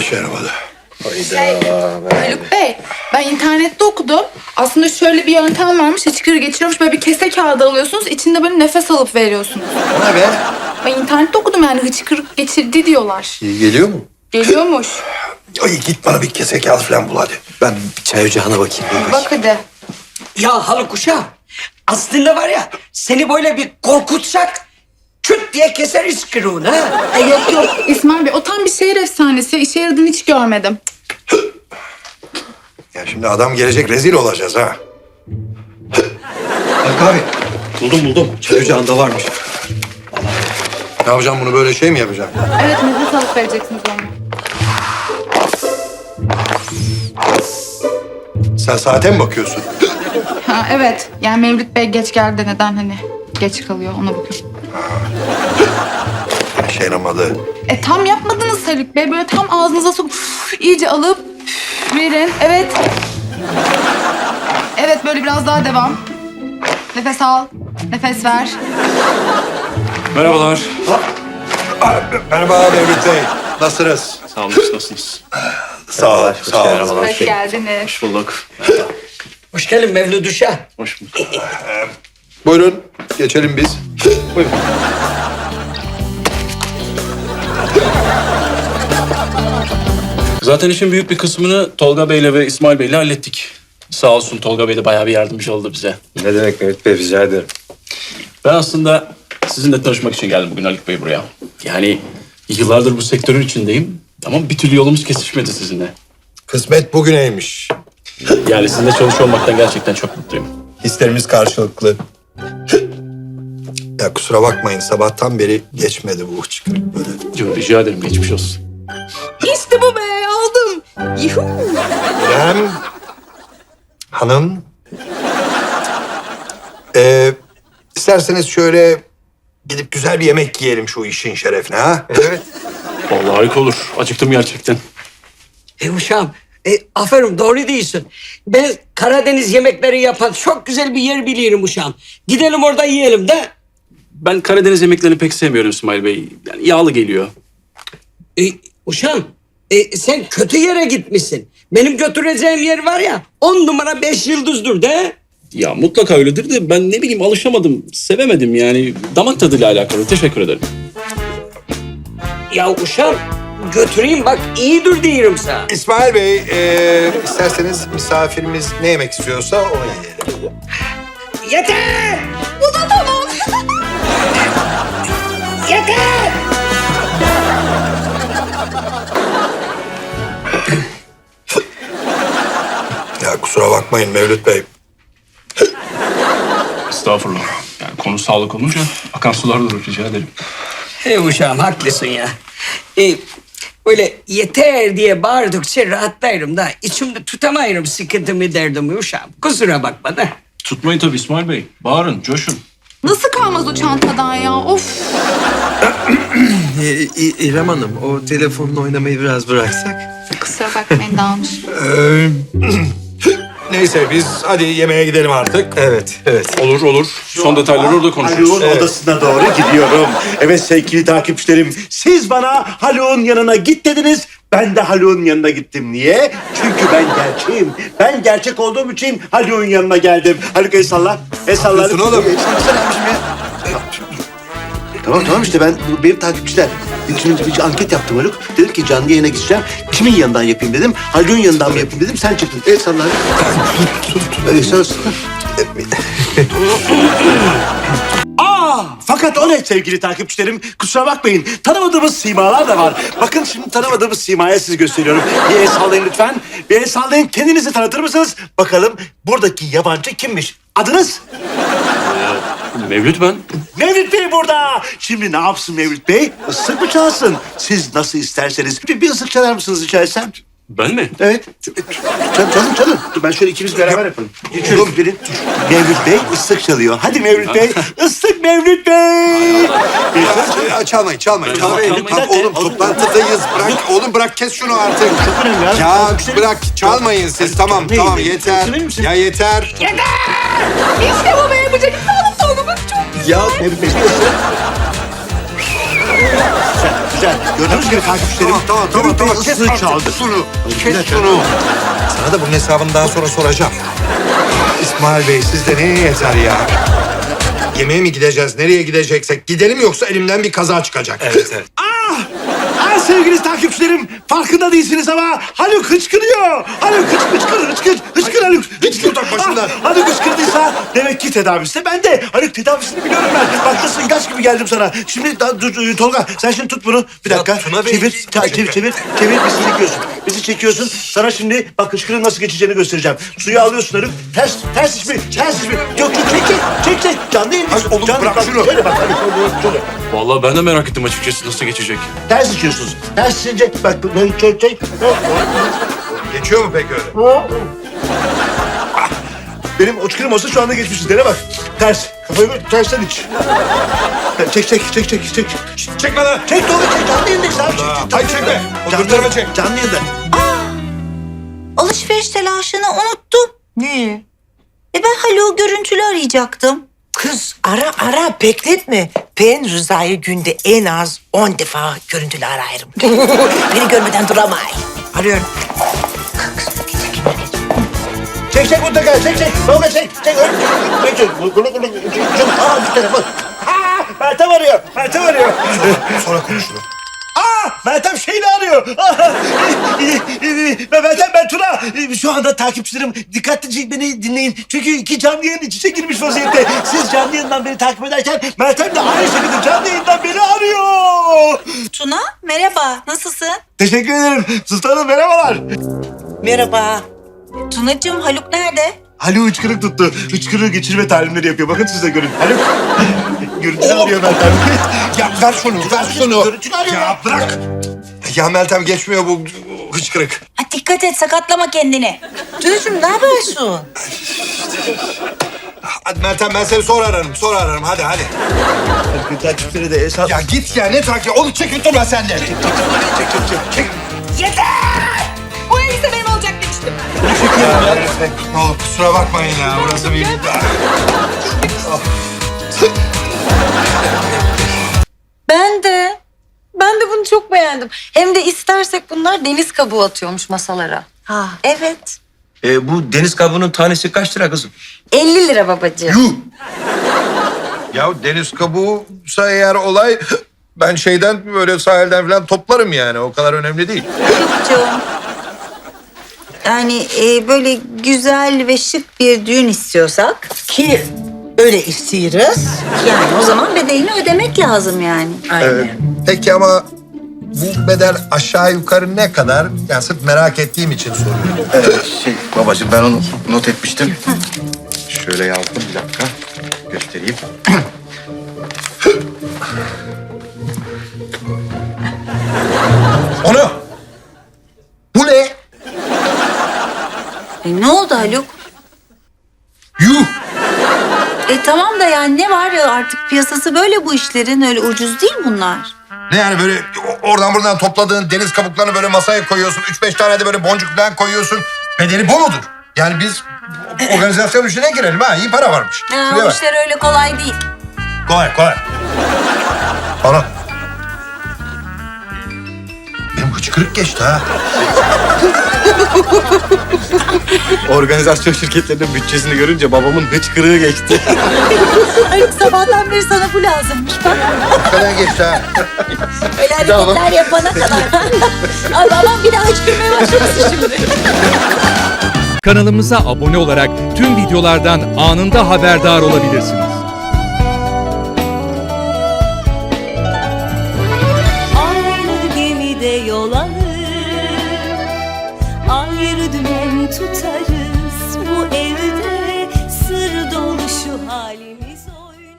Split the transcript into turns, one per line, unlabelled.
işe yaramadı.
Haluk Bey, ben internette okudum. Aslında şöyle bir yöntem varmış, hıçkırığı geçiriyormuş. Böyle bir kese kağıdı alıyorsunuz, içinde böyle nefes alıp veriyorsunuz.
O ne be?
Ben internette okudum yani hıçkırık geçirdi diyorlar.
İyi geliyor mu?
Geliyormuş.
Ay git bana bir kese kağıt falan bul hadi. Ben bir çay ocağına bakayım.
Bak hadi.
Ya Haluk uşağım, aslında var ya seni böyle bir korkutsak küt diye keser iskırığını ha.
Yok İsmail Bey, o tam bir şehir efsanesi. İşe yaradığını hiç görmedim.
Ya şimdi adam gelecek rezil olacağız ha.
Haluk abi. Buldum. Çay ocağında varmış.
Ne yapacağım bunu böyle şey mi yapacağım?
Evet, nefes alıp vereceksiniz onu.
Sen saate mi bakıyorsun?
Ha evet, yani Mevlüt Bey geç geldi, neden hani geç kalıyor ona bakıyorum.
İşe yaramadı.
Tam yapmadınız Haluk Bey, böyle tam ağzınıza sokup iyice alıp verin. Evet. Evet, böyle biraz daha devam. Nefes al, nefes ver.
Merhabalar.
Merhaba Mevlüt Bey. Nasılsınız?
Sağ olun, nasılsınız?
Sağ ol. Sağ ol.
Merhabalar.
Hoş geldiniz.
Hoş bulduk.
Hoş geldin Mevlüt uşağım.
Hoş bulduk.
Buyurun geçelim biz.
Buyurun. Zaten işin büyük bir kısmını Tolga Bey'le ve İsmail Bey'le hallettik. Sağ olsun Tolga Bey de bayağı bir yardımcı oldu bize.
Ne demek Mehmet Bey, rica ederim.
Ben aslında sizinle tanışmak için geldim bugün Haluk Bey buraya. Yani yıllardır bu sektörün içindeyim ama bir türlü yolumuz kesişmedi sizinle.
Kısmet bugüneymiş.
Yani sizinle çalışıyor olmaktan gerçekten çok mutluyum.
Hislerimiz karşılıklı. Ya kusura bakmayın sabahtan beri geçmedi bu hıçkırık böyle.
Rica ederim, geçmiş olsun.
İşte bu be, aldım. Yuhu.
İrem Hanım. İsterseniz şöyle gidip güzel bir yemek yiyelim şu işin şerefine ha? Evet.
Vallahi harika olur. Acıktım gerçekten.
Uşağım, aferin doğru değilsin. Ben Karadeniz yemekleri yapan çok güzel bir yer biliyorum uşağım. Gidelim orada yiyelim de.
Ben Karadeniz yemeklerini pek sevmiyorum İsmail Bey. Yani yağlı geliyor.
Uşağım, sen kötü yere gitmişsin. Benim götüreceğim yer var ya 10 numara 5 yıldızdır de.
Ya mutlaka öyledir de ben ne bileyim alışamadım, sevemedim yani. Damak tadıyla alakalı. Teşekkür ederim.
Ya uşağım götüreyim bak iyidir diyorum sana.
İsmail Bey, isterseniz misafirimiz ne yemek istiyorsa onu yiyelim.
Yeter!
Bu da tamam.
Yeter!
Ya kusura bakmayın Mevlüt Bey.
Estağfurullah. Yani konu sağlık olunca akan sular durur, rica ederim.
Uşağım haklısın ya. Böyle yeter diye bağırdıkça rahatlarım da içimde tutamayırım sıkıntımı derdimi uşağım. Kusura bakma da.
Tutmayın tabii İsmail Bey. Bağırın, coşun.
Nasıl kalmaz o çantadan ya? Of.
İrem Hanım, o telefonla oynamayı biraz bıraksak.
Kusura bakmayın, dağılmış.
Neyse biz hadi yemeğe gidelim artık.
Evet.
Olur. Son detayları orada konuşuruz.
Haluk'un odasına doğru gidiyorum. Evet sevgili takipçilerim, siz bana Haluk'un yanına git dediniz. Ben de Haluk'un yanına gittim. Niye? Çünkü ben gerçeğim. Ben gerçek olduğum için Haluk'un yanına geldim. Haluk el salla. El salla.
Yapıyorsun oğlum?
El sallasana abiciğim ya. Tamam işte ben benim takipçiler. Şimdi bir anket yaptım Haluk. Dedim ki canlı yayına gideceğim. Kimin yanından yapayım dedim. Haluk'un yanından mı yapayım dedim. Sen çıktın. El salla. El salla. Fakat o ne sevgili takipçilerim? Kusura bakmayın. Tanımadığımız simalar da var. Bakın şimdi tanımadığımız simaya sizi gösteriyorum. Bir el sallayın lütfen. Bir el sallayın. Kendinizi tanıtır mısınız? Bakalım buradaki yabancı kimmiş? Adınız?
Mevlüt ben.
Mevlüt Bey burada. Şimdi ne yapsın Mevlüt Bey? Islık mı çalsın? Siz nasıl isterseniz. Bir ıslık çalar mısınız rica etsem?
Ben mi?
Evet. Çalın. Dur ben şöyle ikimiz beraber yapalım. Geçiyorum verin. Mevlüt Bey ıslık çalıyor. Hadi Mevlüt Bey. Islık Mevlüt Bey.
Çalmayın.
Çalmayın.
Tamam, oğlum toplantıdayız. Bırak kes şunu artık.
Çok önemli ya.
Ya bırak çalmayın siz. Tamam yeter.
Yükselir misin?
Ya yeter.
İşte bu be, yapacak. Sağlık Tolga, bak çok güzel.
Ya Mevlüt Bey bir ıslık. güzel. Gördüğünüz gibi takipçilerim. Haluk Bey ıslığı çaldı.
Şunu. Kes şunu. Sana da bunun hesabını daha sonra soracağım. İsmail Bey sizde neye yeter ya? Yemeğe mi gideceğiz? Nereye gideceksek gidelim yoksa elimden bir kaza çıkacak.
Evet.
Sevgili takipçilerim, farkında değilsiniz ama Haluk hıçkırıyor. Haluk hıçkır Haluk.
Hıçkır tak başından.
Haluk hıçkırdıysa demek ki tedavisi. Ben de Haluk tedavisini biliyorum ben. Bak nasıl ilaç gibi geldim sana. Şimdi Tolga sen şimdi tut bunu. Bir dakika.
Tuna Bey,
Çevir bizi çekiyorsun. Sana şimdi bak hıçkırığın nasıl geçeceğini göstereceğim. Suyu alıyorsun Haluk. Ters iç mi? Yok çek. Canlı yayın.
Ay, oğlum, bırak şunu.
Şöyle bak Haluk. Şöyle.
Vallahi ben de merak ettim açıkçası nasıl geçecek.
Ters içiyorsunuz. Ters içince bak çek.
Geçiyor mu peki öyle?
Benim uçkırım olsa şu anda geçmişiz. Dene bak. Ters. Kafayı böyle tersten iç. Çek.
Çekme lan.
Çek Tolga çek. Canlı yayındayız abi.
Hayır çekme. Oturduğuma çek.
Canlı yayında.
Alışveriş telaşını unuttum.
Niye?
Ben Haluk'u görüntülü arayacaktım.
Kız ara bekletme. Ben Rıza'yı günde en az 10 defa görüntülü ararım. Beni görmeden duramay. Arıyorum.
Çek mutlaka. Çek. Tolga çek. Çek. Bir telefon. Meltem arıyor.
Sonra konuşuruz.
Meltem şeyini arıyor. Ben Tuna. Şu anda takipçilerim dikkatlice beni dinleyin. Çünkü iki canlı yayın iç içe girmiş vaziyette. Siz canlı yayından beni takip ederken Meltem de aynı şekilde canlı yayından beni arıyor.
Tuna merhaba nasılsın?
Teşekkür ederim. Sultanım merhabalar.
Merhaba.
Tunacığım Haluk nerede?
Haluk hıçkırık tuttu. Hıçkırığı geçirme talimleri yapıyor. Bakın siz de görün. Haluk görüntülü arıyor Meltem.
Ya ver şunu.
Görüntülü arıyor.
Ya bırak. Ya Meltem geçmiyor bu hıçkırık.
Dikkat et sakatlama kendini.
Tunacığım ne yapıyorsun?
Hadi Meltem ben seni sonra ararım. Hadi.
Takipçileri de hesap.
Ya git ya ne takip? Onu çekip durma sen de. Çek.
Bu elbise benim olacak demiştim.
Ne olur kusura bakmayın ya. Burası bir...
Ben de bunu çok beğendim. Hem de istersek bunlar deniz kabuğu atıyormuş masalara.
Ha evet.
Bu deniz kabuğunun tanesi kaç lira kızım?
50 lira babacığım.
Yuh! Ya deniz kabuğuysa eğer olay... Ben şeyden böyle sahilden falan toplarım yani. O kadar önemli değil.
Haluk'cuğum. Yani böyle güzel ve şık bir düğün istiyorsak
Ki öyle istiyoruz.
yani o zaman bedelini ödemek lazım yani.
Aynen.
Peki ama bu bedel aşağı yukarı ne kadar? Yani sırf merak ettiğim için soruyorum.
Babacığım ben onu not etmiştim. Şöyle yazdım bir dakika. Göstereyim.
Onu! Bu ne?
Ne oldu Haluk?
Yuh!
Tamam da yani ne var ya artık piyasası böyle bu işlerin öyle ucuz değil bunlar.
Ne yani böyle oradan buradan topladığın deniz kabuklarını böyle masaya koyuyorsun. 3-5 tane de böyle boncuk falan koyuyorsun. Bedeli bu mudur? Yani biz organizasyon işine girelim ha. İyi para varmış. Şuraya
O
bak.
işler öyle kolay değil.
Kolay. Bana. Benim hıçkırık geçti ha.
Organizasyon şirketlerinin bütçesini görünce babamın hıçkırığı geçti.
Haluk sabahtan beri sana bu lazımmış bak.
Falan geçti ha.
Öyle hareketler yapana kadar. Ay babam bir daha hıçkırmaya başlamasın şimdi.
Kanalımıza abone olarak tüm videolardan anında haberdar olabilirsiniz.
Aynı gemide yol alır, ayrı dümen tutarız. Bu evde sır dolu şu halimiz.